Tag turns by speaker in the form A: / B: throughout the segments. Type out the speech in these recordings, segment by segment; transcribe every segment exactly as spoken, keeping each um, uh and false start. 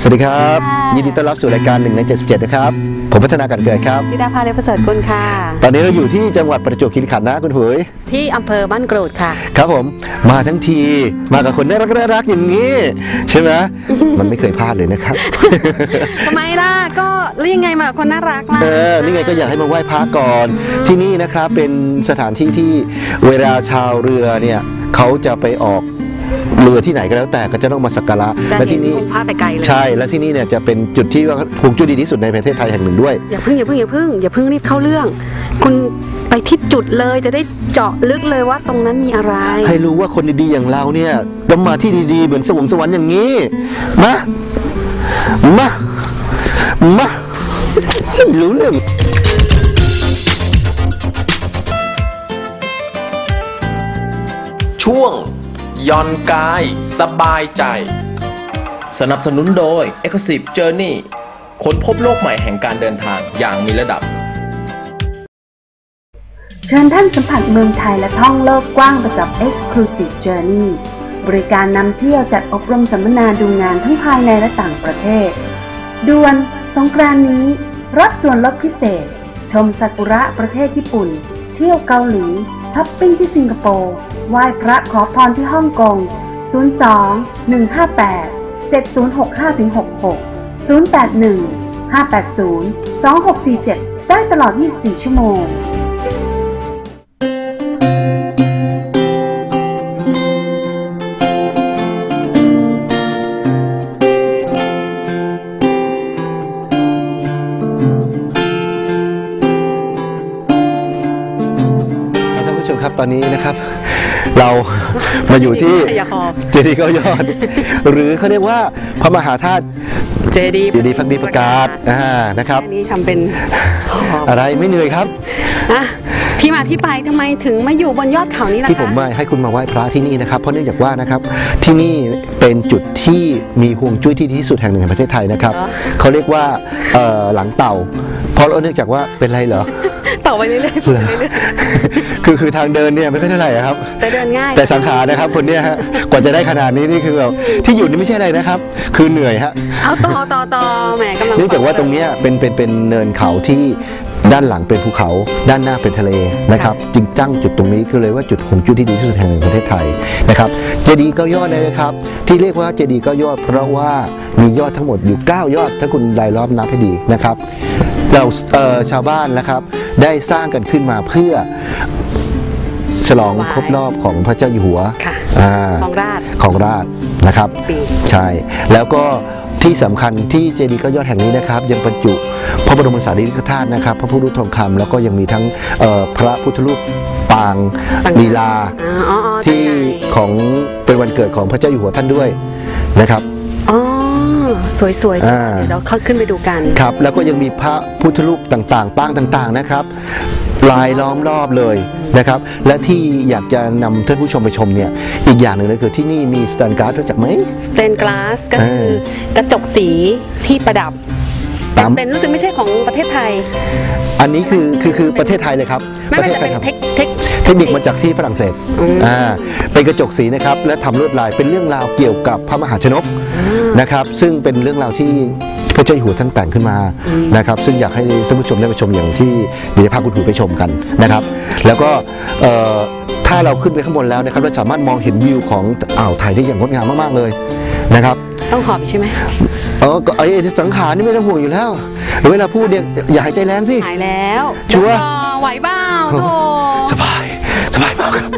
A: วัสดีครับยินดีต้อนรับสู่รายการหนึ่งในเจ็ดสิบเจ็ดนะครับผมพัฒนาการเกิดครับ
B: ธิดาภาเลประเสริฐกุลค่ะ
A: ตอนนี้เราอยู่ที่จังหวัดประจวบคีรีขันธ์นะคุณหุย
B: ที่อำเภอบ้านกรูดค่ะ
A: ครับผมมาทั้งทีมากับคนน่ารักน่ารักอย่างนี้ใช่ไหม มันไม่เคยพลาดเลยนะครับ
B: ทำไมล่ะก็เรียกไงมาคนน่ารักล่ะ
A: เออนี่ไงก็อยากให้มาไหว้พระก่อนที่นี่นะครับเป็นสถานที่ที่เวลาชาวเรือเนี่ยเขาจะไปออกเรือที่ไหนก็แล้วแต่ก็จะต้องมาสักการะ
B: และที่นี่พาไปไกลเลย
A: ใช่และที่นี่เนี่ยจะเป็นจุดที่ว่าฮวงจุ้ยดีที่สุดในประเทศไทยแห่งหนึ่งด้วย
B: อย่าเพิ่งอย่าเพิ่งอย่าเพิ่งอย่าเพิ่งรีบเข้าเรื่องคุณไปที่จุดเลยจะได้เจาะลึกเลยว่าตรงนั้นมีอะไร
A: ให้รู้ว่าคนดีๆอย่างเราเนี่ยต้องมาที่ดีๆเหมือนสวรรค์สวรรค์อย่างนี้มามามารู้เรื่อง
C: ช่วงย่อนกายสบายใจสนับสนุนโดย Exclusive Journey ค้นพบโลกใหม่แห่งการเดินทางอย่างมีระดับ
D: เชิญท่านสัมผัสเมืองไทยและท่องโลกกว้างไปกับ Exclusive Journey บริการนำเที่ยวจัดอบรมสัมมนาดูงานทั้งภายในและต่างประเทศด่วนสงกรานต์นี้รับส่วนลดพิเศษชมซากุระประเทศญี่ปุ่นเที่ยวเกาหลีช้อปปิ้งที่สิงคโปร์ไหว้พระขอพรที่ฮ่องกงศูนย์ สอง หนึ่ง ห้า แปด เจ็ด ศูนย์ หก ห้า หก หก ศูนย์ แปด หนึ่ง ห้า แปด ศูนย์ สอง หก สี่ เจ็ดได้ตลอดยี่สิบสี่ชั่วโมง
A: ตอนนี้นะครับเรามาอยู่ที่เจดีย์เก้ายอดหรือเขาเรียกว่าพระมหาธาตุ
B: เจดีย์
A: เจดีย์พักดีประกาศอ่านะครับ
B: อันนี้ทำเป็น
A: อะไรไม่เหนื่อยครับ
B: ที่มาที่ไปทำไมถึงมาอยู่บนยอดเขานี้ล่ะคะ
A: ที่ผมมาให้คุณมาไหว้พระที่นี่นะครับเพราะเนื่องจากว่านะครับที่นี่เป็นจุดที่มีฮวงจุ้ยที่ดีที่สุดแห่งหนึ่งในประเทศไทยนะครับเขาเรียกว่าหลังเต่าเพราะเนื่องจากว่าเป็นไรเหรอ
B: ต่อไปเรื่อย
A: ๆคือคือทางเดินเนี่ยไม่ค่อยเท่าไหร่ครับ
B: แต่เดินง่าย
A: แต่สังขารนะครับคนเนี้ยฮะกว่าจะได้ขนาดนี้นี่คือแบบที่อยู่นี่ไม่ใช่อะไรนะครับคือเหนื่อยฮะ
B: เอาต่อต่อต่อแหมกำลัง
A: เนื่องจากว่าตรงเนี้ยเป็นเป็นเป็นเนินเขาที่ด้านหลังเป็นภูเขาด้านหน้าเป็นทะเลนะครับจึงตั้งจุดตรงนี้คือเลยว่าจุดฮวงจุ้ยที่ดีที่สุดแห่งหนึ่งประเทศไทยนะครับเจดีย์เก้ายอดเลยนะครับที่เรียกว่าเจดีย์เก้ายอดเพราะว่ามียอดทั้งหมดอยู่เก้ายอดถ้าคุณรายล้อมนับให้ดีนะครับเราชาวบ้านนะครับได้สร้างกันขึ้นมาเพื่อฉลองครบรอบของพระเจ้าอยู่หัว
B: ของราช
A: ของราชนะครับใช่แล้วก็ที่สำคัญที่เจดีย์เก้ายอดแห่งนี้นะครับยังบรรจุพระบรมสารีริกธาตุนะครับพระพุทธรูปทองคำแล้วก็ยังมีทั้งพระพุทธรูปปางลีลาที่ของเป็นวันเกิดของพระเจ้าอยู่หัวท่านด้วยนะครับ
B: สวยๆเดี๋ยวเขาขึ้นไปดูกัน
A: ครับแล้วก็ยังมีพระพุทธรูปต่างๆปางต่างๆนะครับลายล้อมรอบเลยนะครับและที่อยากจะนำท่านผู้ชมไปชมเนี่ยอีกอย่างหนึ่งเลยคือที่นี่มีสแตนกลาสรู้จักไหม
B: สแตนกลาสก็คือกระจกสีที่ประดับเป็นรู้สึกไม่ใช่ของประเทศไทย
A: อันนี้คือคือคือประเทศไทยเลยครับ
B: ประเทศไทยครับ
A: เทคนิคมาจากที่ฝรั่งเศสอ่าเป็นกระจกสีนะครับและทำลวดลายเป็นเรื่องราวเกี่ยวกับพระมหาชนกนะครับซึ่งเป็นเรื่องราวที่พระเจ้าอยู่หัวท่านแต่งขึ้นมานะครับซึ่งอยากให้ท่านผู้ชมได้ไปชมอย่างที่เดี๋ยวจะพาคุณผู้ชมไปชมกันนะครับแล้วก็ถ้าเราขึ้นไปข้างบนแล้วนะครับเราสามารถมองเห็นวิวของอ่าวไทยได้อย่างงดงามมากๆเลยนะครับ
B: ต้องหอบใช่ไหม
A: เออก็ไอ้สังขารนี่ไม่ต้องห่วงอยู่แล้วเวลาพูดเนี่ยอย่าหายใจแรงสิ
B: หายแล้ว
A: ชัวร์
B: ไหวบ้าโธ่
A: สบายสบายมากครับ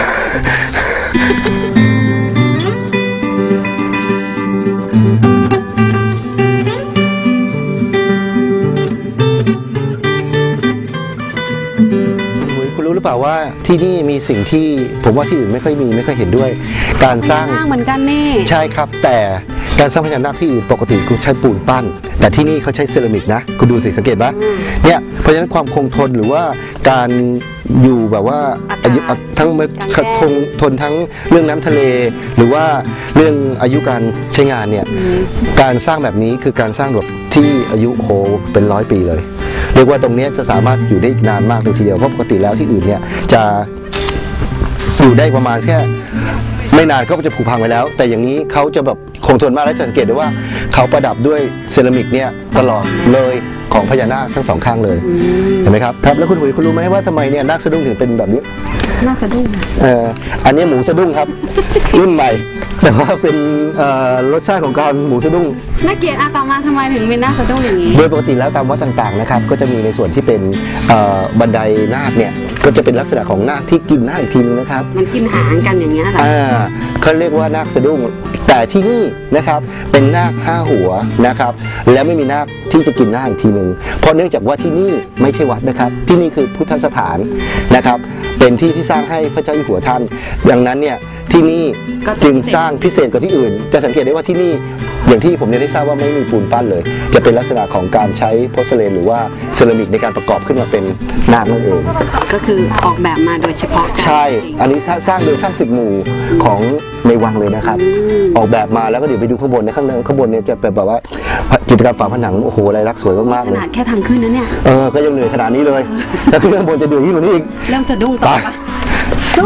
A: คุณรู้หรือเปล่าว่าที่นี่มีสิ่งที่ผมว่าที่อื่นไม่ค่อยมีไม่ค่อยเห็นด้วยการสร้าง
B: เหมือนกันนี่
A: ใช่ครับแต่การสร้างพญานาคที่อื่นปกติคุณใช้ปูนปั้นแต่ที่นี่เขาใช้เซรามิกนะคุณดูสิสังเกตปะเนี่ยเพราะฉะนั้นความคงทนหรือว่าการอยู่แบบว่าอายุทั้งทนทนทั้งเรื่องน้ำทะเลหรือว่าเรื่องอายุการใช้งานเนี่ยการสร้างแบบนี้คือการสร้างแบบที่อายุโหเป็นร้อยปีเลยเรียกว่าตรงนี้จะสามารถอยู่ได้อีกนานมากเลยทีเดียวเพราะปกติแล้วที่อื่นเนี่ยจะอยู่ได้ประมาณแค่ไม่นานก็จะผุพังไปแล้วแต่อย่างนี้เขาจะแบบคคงทนมากและจะสังเกตได้ว่าเขาประดับด้วยเซรามิกเนี่ยตลอดเลยของพญานาคทั้งสองข้างเลยเห็นไหมครับครับแล้วคุณหุยคุณรู้ไหมว่าทำไมเนี่ยนาคสะดุ้งถึงเป็นแบบนี้
B: น่าสะดุ้ง
A: เอ่ออันนี้หมูสะดุ้งครับ รุ่นใหม่ แต่ว่าเป็นเอ่อรสชาติของการหมูสะดุ้ง
B: น่าเกลียดอาต่อมาทำไมถึงเป็นน่าสะดุ้งอย่างนี้
A: โดยปกติแล้วตามวัดต่างๆนะครับก็จะมีในส่วนที่เป็นเอ่อบันไดนาคเนี่ยก็จะเป็นลักษณะของนาคที่กินนาคอีกทีนึงนะครับ
B: มันกินหางกันอย่างเงี้ยเหรอ
A: อ่าเขาเรียกว่านาคสะดุ้งแต่ที่นี่นะครับเป็นนาคห้าหัวนะครับและไม่มีนาคที่จะกินนาคอีกทีหนึ่งเพราะเนื่องจากว่าที่นี่ไม่ใช่วัดนะครับที่นี่คือพุทธสถานนะครับเป็นที่ที่สร้างให้พระเจ้าอยู่หัวท่านดังนั้นเนี่ยที่นี่จึงสร้างพิเศษกว่าที่อื่น จะสังเกตได้ว่าที่นี่อย่างที่ผมได้ทราบว่าไม่มีปูนปั้นเลยจะเป็นลักษณะของการใช้โพสเลนหรือว่าเซรามิกในการประกอบขึ้นมาเป็นนาคนั่นเอง
B: ก็คือออกแบบมาโดยเฉพาะกัน
A: ใช่ อันนี้สร้างโดยช่างสิบหมู่ของในวังเลยนะครับ ออกแบบมาแล้วก็เดี๋ยวไปดูข้างบนในข้างในข้างบนเนี่ยจะเป็นแบบว่าจิตรกรรมฝาผนังโอ้โหลายลักษณ์สวยมากๆ
B: ข
A: เลย
B: นาดแค่ทางขึ้นนะเนี่ย
A: เออก็ยังเหนื่อยขนาดนี้เลยถ้าขึ้นข้างบนจะเหนื่อยยิ่งกว่านี้อีก
B: เริ่มสะดุ้งต่อ
A: ไป
B: ปะสู้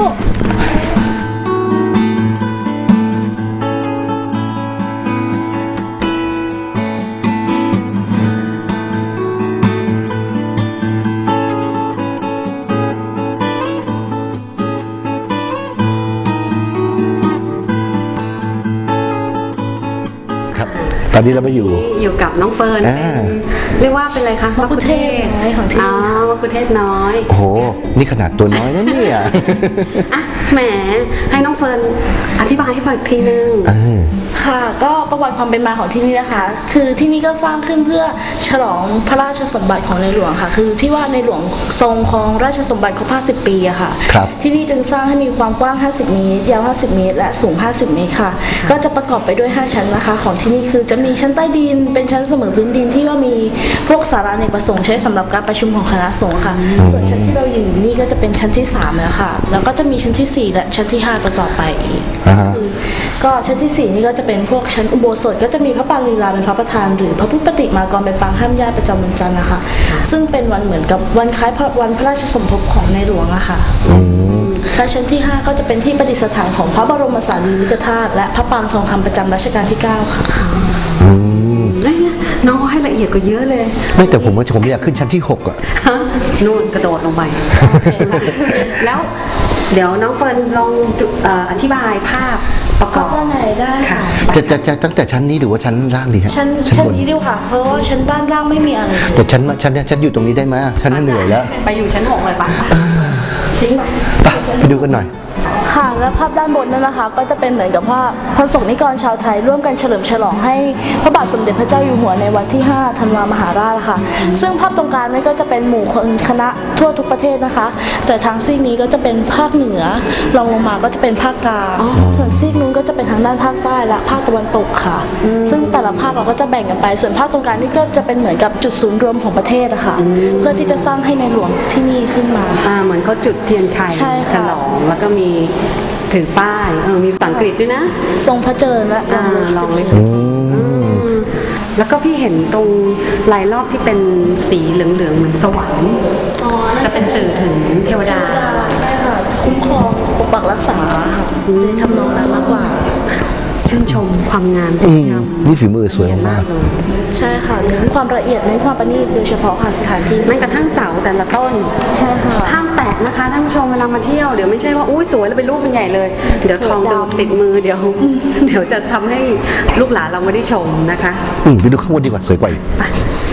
A: ครับตอนนี้เรามาอยู่
B: อยู่กับน้องเฟิร์น
A: อ่า
B: เป็นเรียกว่าเป็นอะไรคะ
E: มะคุเทศน้อยของที่นี่
B: อ๋อมะคุเทศน้อย
A: โอ้โหนี่ขนาดตัวน้อยนะเนี่ย
B: อ่ะแหมให้น้องเฟิร์นอธิบายให้ฟังอีกทีนึง
A: เออ
E: ค่ะก็ประวัติความเป็นมาของที่นี่นะคะ คือที่นี่ก็สร้างขึ้นเพื่อฉลองพระราชสมบัติของในหลวงค่ะ คือที่ว่าในหลวงทรงครองราชสมบัติครบห้าสิบปีอะค่ะ
A: ครับ
E: ที่นี่จึงสร้างให้มีความกว้างห้าสิบเมตรยาวห้าสิบเมตรและสูงห้าสิบเมตรค่ะ ก็จะประกอบไปด้วยห้าชั้นนะคะ ของที่นี่คือจะมีชั้นใต้ดินเป็นชั้นเสมอพื้นดินที่ว่ามีพวกศาลาอเนกประสงค์ใช้สำหรับการประชุมของคณะสงฆ์ค่ะ ส่วนชั้นที่เราอยู่นี่ก็จะเป็นชั้นที่สามแล้วค่ะ แล้วก็จะมีชั้นที่สี่และชั้นที่ห้าต่อต่อไปอีก
A: อ่าฮะ
E: ก็ชั้นที่สี่นี่ก็จะเป็นพวกชั้นอุโบสถก็จะมีพระปางลีลาเป็นพระประธานหรือพระพุทธปฏิมากรเป็นปางห้ามญาติประจำวันจันทร์นะคะ ซึ่งเป็นวันเหมือนกับวันคล้ายพระวันพระราชสมภพของในหลวงอะค่ะ
A: อืม
E: และชั้นที่ห้าก็จะเป็นที่ประดิษฐานของพระบรมสารีริกธาตุและพระปางทองคำประจำรัชกาลที่เก้าค่ะ
A: อืม
B: แล้วเนี่ยน้องเขาให้ละเอียดกว่าเยอะเลย
A: ไม่แต่ผมว่าผมอยากขึ้นชั้นที่หกอ่ะ
B: ฮะนู่นกระโดดลงไป แล้วเดี๋ยวน้องเฟิร์นลองดูเอ่ออธิบายภาพประก
E: ก็
B: อบ
E: ด้านในได้ค่ะ
A: จะจะจะตั้งแต่ชั้นนี้หรือว่าชั้นล่างดีฮะ
E: ชั้น
A: ชั้น
E: ชั้น
A: บน
E: นี้ดีกว่าเพราะว่าชั้นด้านล่างไม่มีอะไรเลย
A: แต่ชั้นชั้นเนี่ยชั้นอยู่ตรงนี้ได้ไหมชั้นนั้นเหนื่อยแล้ว
B: ไปอยู่ชั้นหกเลยปะจริงปะ
A: ไปไปดูกันหน่อย
E: ค่ะและภาพด้านบนนั่นนะคะ ก็จะเป็นเหมือนกับว่าพระสงฆ์นิกรชาวไทยร่วมกันเฉลิมฉลองให้พระบาทสมเด็จพระเจ้าอยู่หัวในวันที่ห้าธันวามหาราชค่ะ ซึ่งภาพตรงกลางนี่ก็จะเป็นหมู่คนคณะทั่วทุกประเทศนะคะ แต่ทางซีกนี้ก็จะเป็นภาคเหนือรองลงมาก็จะเป็นภาคกลางส่วนซีกนู้นก็จะเป็นทางด้านภาคใต้และภาคตะวันตกค่ะ ซึ่งแต่ละภาคเราก็จะแบ่งกันไป ส่วนภาคตรงกลางนี่ก็จะเป็นเหมือนกับจุดศูนย์รวมของประเทศอะค่ะเพื่อที่จะสร้างให้ในหลวงที่นี่ขึ้นมา
B: อ่าเหมือนเขาจุดเทียนชัย
E: ใช่ค่ะ
B: ฉลองแล้วก็มีถือป้ายเออมีภาษาอังกฤษด้วยนะ
E: ทรงพระเจริญและ
B: อ่าลองเลย
A: อืม
B: แล้วก็พี่เห็นตรงลายรอบที่เป็นสีเหลืองๆเหมือนสวรรค์
E: อ๋อ
B: จะเป็นสื่อถึงเทวดา
E: ใช่ค่ะคุ้มครองปกปักรักษาค่ะในทำนองนั้นมากกว่า
B: ชื่นชมความงาม
A: อื
B: ที่
A: ม
B: ทำ
A: นี่ฝีมือสวย
B: เนียน
A: มาก
B: เลย
E: ใช่ค่ะเน้นความละเอียดเน้นความประณีตโดยเฉพาะค่ะสถานที่
B: แม้กระทั่งเสาแต่ละต้น
E: ใช่ค่ะ
B: ห้ามแตะนะคะท่านผู้ชมเวลามาเที่ยวเดี๋ยวไม่ใช่ว่าอุ้ยสวยแล้วเป็นรูปเป็นใหญ่เลย เดี๋ยวทองจะติดมือเดี๋ยว เดี๋ยวจะทำให้ลูกหลานเราไม่ได้ชมนะคะ
A: อืมไปดูข้างบนดีกว่าสวยกว่าอีก
B: ไป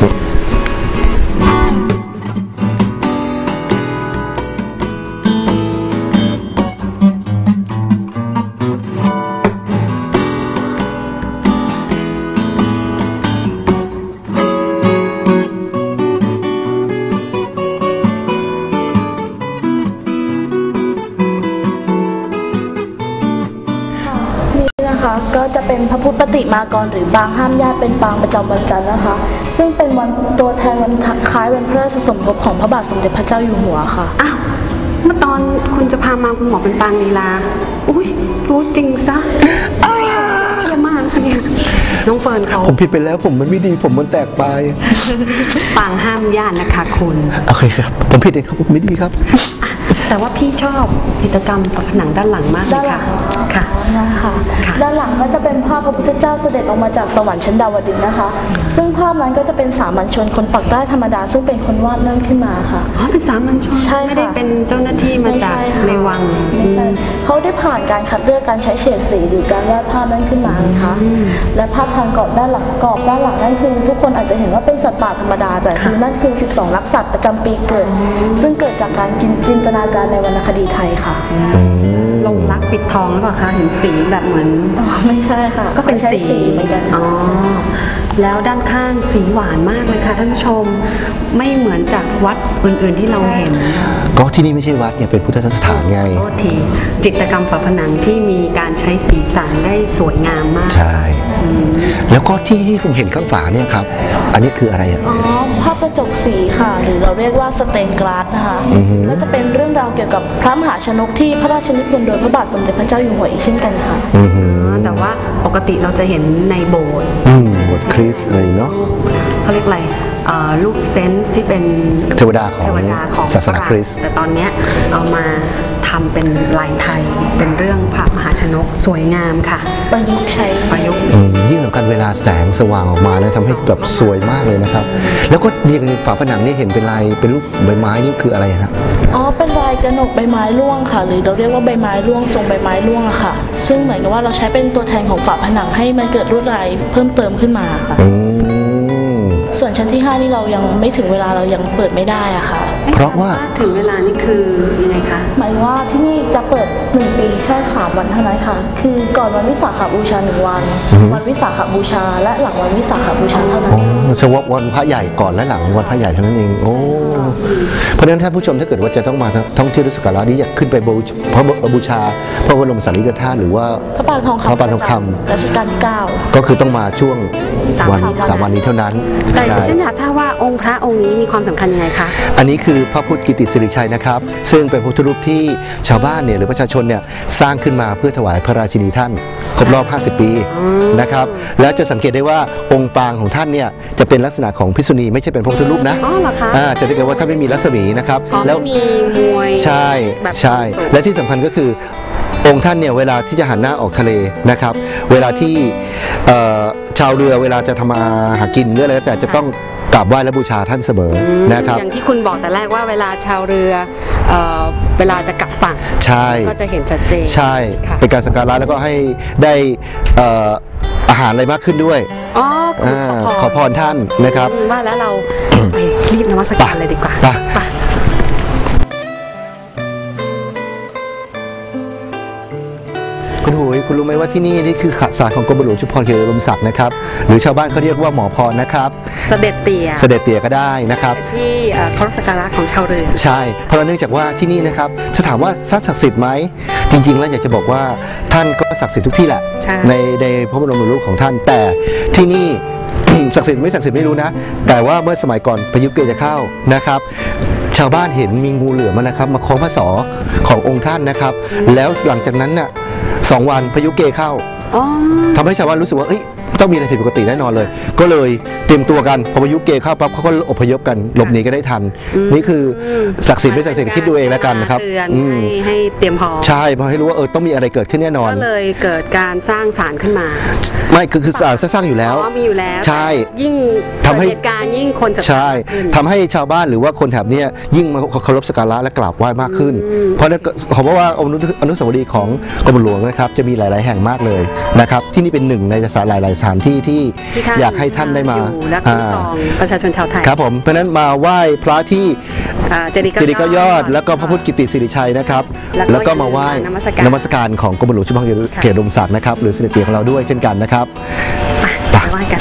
E: นี่นะคะก็จะเป็นพระพุทธปฏิมากรหรือปางห้ามญาติเป็นปางประจำวันจันทร์นะคะ ซึ่งเป็นวันตัวแทนวันคล้ายวันพระราชสมภพของพระบาทสมเด็จพระเจ้าอยู่หัวค่ะ
B: อ้าวเมื่อตอนคุณจะพามาคุณหมอเป็นปางลีลาอุ้ยรู้จริงซะเชื่อมากค่ะเนี่ยน้องเฟิร์นเขา
A: ผมผิดไปแล้วผมมันไม่ดีผมมันแตกไป
B: ปางห้ามญาตินะคะคุณ
A: โอเคครับ ผมผิดเองครับผมไม่ดีครับ
B: แต่ว่าพี่ชอบจิตรกรรมฝาผนังด้านหลังมากเล
E: ด้าน
B: ย
E: หลั
B: ค่ะ
E: ง
B: ค่ะ
E: นะคะ
B: ค่ะ
E: ด้านหลังก็จะเป็นภาพพระพุทธเจ้าเสด็จออกมาจากสวรรค์ชั้นดาวดึงส์นะคะ ซึ่งภาพนั้นก็จะเป็นสามัญชนคนปักใต้ธรรมดาซึ่งเป็นคนวาดเริ่มขึ้นมาค่ะ
B: อ๋อเป็นสามัญชน
E: ใช่ค่ะ
B: ไม่ได้เป็นเจ้าหน้าที่มาจาก
E: ไใช่ค่ะ
B: ในวัง
E: ไม่ใช่เขาได้ผ่านการคัดเลือกการใช้เฉดสีหรือการวาดภาพนั้นขึ้นมานะคะและภาพทางกรอบด้านหลังกรอบด้านหลังนั่นคือทุกคนอาจจะเห็นว่าเป็นสัตว์ป่าธรรมดาแต่คือนั่นคือสิบสองลักษณะประจำปีเกิด ซึ่งเกิดจากการจินจินตนาการในวรรณคดีไทยค่ะ
B: ลงรักปิดทองหรือเปล่าคะเห็นสีแบบเหมือน
E: อ๋อไม่ใช่ค่ะ
B: ก็เป็น
E: ใช้
B: สี
E: สีเหมือนกัน
B: อ๋อแล้วด้านข้างสีหวานมากเลยค่ะท่านผู้ชมไม่เหมือนจากวัดอื่น ๆที่เราเห็น
A: ก็ที่นี่ไม่ใช่วัดเนี่ยเป็นพุทธสถานไง
B: โทษทีจิตรกรรมฝาผนังที่มีการใช้สีสันได้สวยงามมาก
A: ใช่ แล้วก็ที่ที่ผมเห็นข้างฝาเนี่ยครับ อันนี้คืออะไรอ่ะ
E: อ๋อภาพกระจกสีค่ะ หรือเราเรียกว่าสเตนกลาสนะคะ
A: อือฮึ
E: ก็จะเป็นเรื่องราวเกี่ยวกับพระมหาชนกที่พระราชนิพนธ์โดยพระบาทสมเด็จพระเจ้าอยู่หัวอีกเช่นกันค่ะ
A: อือหือ
B: แต่ว่าปกติเราจะเห็นในโบสถ์
A: อืมบทคริสต์อะไรเนาะ
B: เขาเรียกอะไรเอ่อรูปเซนส์ที่เป็น
A: เทวดาของ
B: เทวดาของ
A: ศาสนาคริสต์
B: แต่ตอนเนี้ยเอามาทำเป็นลายไทยเป็นเรื่องพระมหาชนกสวยงามค่ะ
E: ประยุกต์ใช้
B: ประยุกต์
A: อืมยิ่งสำคัญเวลาแสงสว่างออกมานะทำให้แบบสวยมากเลยนะครับ แล้วก็นี่ฝาผนังนี่เห็นเป็นลายเป็นรูปใบไม้นี่คืออะไรครับ
E: อ๋อเป็นลายกระหนกใบไม้ร่วงค่ะ หรือเราเรียกว่าใบไม้ร่วงทรงใบไม้ร่วงอะค่ะ ซึ่งเหมือนกับว่าเราใช้เป็นตัวแทนของฝาผนังให้มันเกิดลวดลายเพิ่มเติมขึ้นมาค่ะ
A: อืม
E: ส่วนชั้นที่ห้านี่เรายังไม่ถึงเวลาเรายังเปิดไม่ได้อะค่ะ
A: เพราะว่า
B: ถึงเวลานี่คือยังไงคะ
E: หมายว่าที่นี่จะเปิดหนึ่งปีแค่สามวันเท่านั้นค่ะ คือก่อนวันวิสาขบูชาหนึ่งวัน
A: อือฮึ
E: วันวิสาขบูชาและหลังวันวิสาขบูชาเท่านั้น
A: โอ้เฉพาะวันพระใหญ่ก่อนและหลังวันพระใหญ่เท่านั้นเอง โอ้ เพราะฉะนั้นท่านผู้ชมถ้าเกิดว่าจะต้องมาท่องเที่ยวสักการะนี้อยากขึ้นไปบูชพระบูชาพระบรมสารีริกธาตุหรือว่า
E: พระปางทองคำ
A: พระปางทองคำ
E: รัชกาลที่เก้า
A: ก็คือต้องมาช่วง
B: สาม
A: วัน
B: สามวัน
A: สามวันนี้เท่านั้น
B: แต่ดิ
A: ใช่
B: ฉันอยากทราบว่าองค์พระองค์นี้มีความสำคัญยังไงคะ
A: อันนี้คือพระพุทธกิติสิริชัยนะครับ ซึ่งเป็นพระพุทธรูปที่ชาวบ้านเนี่ยหรือประชาชนเนี่ยสร้างขึ้นมาเพื่อถวายพระราชินีท่านครบรอบ ห้าสิบ ปี
B: อืม
A: นะครับ แล้วจะสังเกตได้ว่าองค์ปางของท่านเนี่ยจะเป็นลักษณะของภิกษุณีไม่ใช่เป็นพระพุทธรูปนะ
B: อ๋อเหรอคะ
A: อ่าจะสังเกตว่าท่านไม่มีรัศมีนะครับ
B: อ๋อ
A: แล้ว
B: ไม่มีมวย
A: ใช่
B: แบบ
A: ใช่
B: สูง
A: และที่สำคัญก็คือองค์ท่านเนี่ยเวลาที่จะหันหน้าออกทะเลนะครับ เวลาที่เอ่อชาวเรือเวลาจะทำมาหากินเรื่องอะไรก็แต่จะต้องกราบไหว้และบูชาท่านเสมอ
B: อืม
A: นะครับ
B: อย่างที่คุณบอกแต่แรกว่าเวลาชาวเรือเอ่อเวลาจะกลับฝั่ง
A: ใช่
B: ก็จะเห็นชัดเจน
A: ใช่
B: ค่ะ
A: เป็นการสักการะแล้วก็ให้ได้เอ่ออาหารอะไรมากขึ้นด้วย
B: อ๋อข
A: อา
B: อ
A: ขอพรท่านนะครับ
B: อืมว่าแล้วเราไปรีบนมัสการเลยดีกว่า
A: ไป
B: ไป
A: คุณหุยคุณรู้ไหมว่าที่นี่นี่คือขศาลของกรมหลวงชุมพรเขตอุดมศักดิ์นะครับหรือชาวบ้านเขาเรียกว่าหมอพรนะครับ
B: เสด็จเตี่ย
A: เสด็จเตี่ยก็ได้นะครับ
B: เป็นที่เอ่อเคารพสักการะของชาวเรือ
A: ใช่ เพราะเนื่องจากว่าที่นี่นะครับจะถามว่าศักดิ์สิทธิ์ไหมจริง ๆ แล้วอยากจะบอกว่าท่านก็ศักดิ์สิทธิ์ทุกที่แหละ
B: ใช่
A: ในในพระบรมรูปของท่านแต่ที่นี่ ศักดิ์สิทธิ์ไม่ศักดิ์สิทธิ์ไม่รู้นะ แต่ว่าเมื่อสมัยก่อนพายุเกจะเข้านะครับ ชาวบ้านเห็นมีงูเหลือมนะครับมาคล้องพระศอกขององค์ท่านนะครับ แล้วหลังจากนั้นน่ะสองวันพายุเกเข้า
B: อ๋อ
A: ทำให้ชาวบ้านรู้สึกว่าเอ้ยต้องมีอะไรผิดปกติแน่นอนเลย ก็เลยเตรียมตัวกันพอพายุเกเข้าปั๊บเขาก็อพยพกันหลบหนีก็ได้ทัน
B: อืม
A: นี่คือศักดิ์สิทธิ์ไม่ศักดิ์สิทธิ์คิดดูเองแล้วกันนะครับ
B: เตือน
A: อืม
B: ให้ให้เตรียมพร้อม
A: ใช่เพราะให้รู้ว่าเออต้องมีอะไรเกิดขึ้นแน่นอน
B: ก็เลยเกิดการสร้างศาลขึ้นมา
A: ไม่คือคือสารสร้างอยู่แล้ว
B: อ๋อมีอยู่แล้ว
A: ใช่
B: แต่ยิ่ง
A: ทำให้
B: เกิดเหตุการณ์ยิ่งคนจะ
A: ใช่
B: ขึ้น
A: ทำให้ชาวบ้านหรือว่าคนแถบเนี้ยยิ่งมาเคารพสักการะและกราบไหว้มากขึ้น
B: อืม
A: เพราะนั่นก็เพราะว่าอนุอนุสาวรีย์ของกรมหลวงนะครับจะมีหลาย ๆ แห่งมากเลยนะครับที่นี่เป็นหนึ่งในสถานหลาย ๆ สถานที่ที่
B: ที่ท่าน
A: อยากให้ท่านได้มา
B: อยู่และคุ้มครองประชาชนชาวไทย
A: ครับผมเพราะฉะนั้นมาไหว้พระที่
B: อ่าเจดีย์
A: เจดีย์เก้ายอด แล้วก็พระพุทธกิติสิริชัยนะครับ
B: แล้วก็
A: แล้วก็มาไหว้
B: นมัสการ
A: นมัสการของกรมหลวงชุมพรเขตอุดมศักดิ์นะครับหรือเสด็จเตี่ยของเราด้วยเช่นกันนะครับ
B: ไปไหว้กัน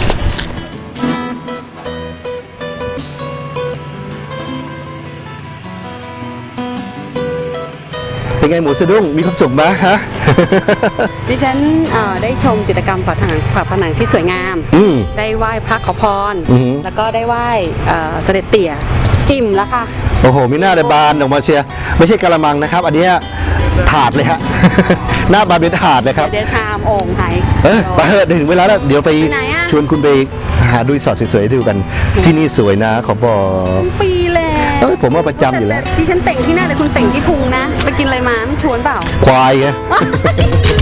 A: เป็นไงหมูสะดุ้งมีความสุขไหมฮะ
B: ดิฉันเอ่อได้ชมจิตรกรรมฝาผนังฝาผนังที่สวยงาม
A: อืม
B: ได้ไหว้พระขอพร
A: อือหือ
B: แล้วก็ได้ไหว้เอ่อเสด็จเตี่ยอิ่มแล้วค่ะ
A: โอ้โหมีหน้าเลยบานออกมาเชียร์ไม่ใช่กะละมังนะครับ อันเนี้ยถาดเลยฮะ หน้าบานเป็นถาดเลยครับ
B: เดี๋ยวชามโอ่งไทย
A: เออไปเถอะถึงเวลาแล้วเดี๋ยวไป
B: ไปไหนอะ
A: ชวนคุณไปหาดูรีสอร์ทสวยๆดูกัน ที่นี่สวยนะขอบอก
B: ปีแล้ว
A: เอ้ยผมว่าประจำอยู่แล้ว
B: ต่ที่ฉันเต่งที่หน้าแต่คุณเต่งที่พุงนะ ไปกินอะไรมาไม่ชวนเปล่า
A: ควายไง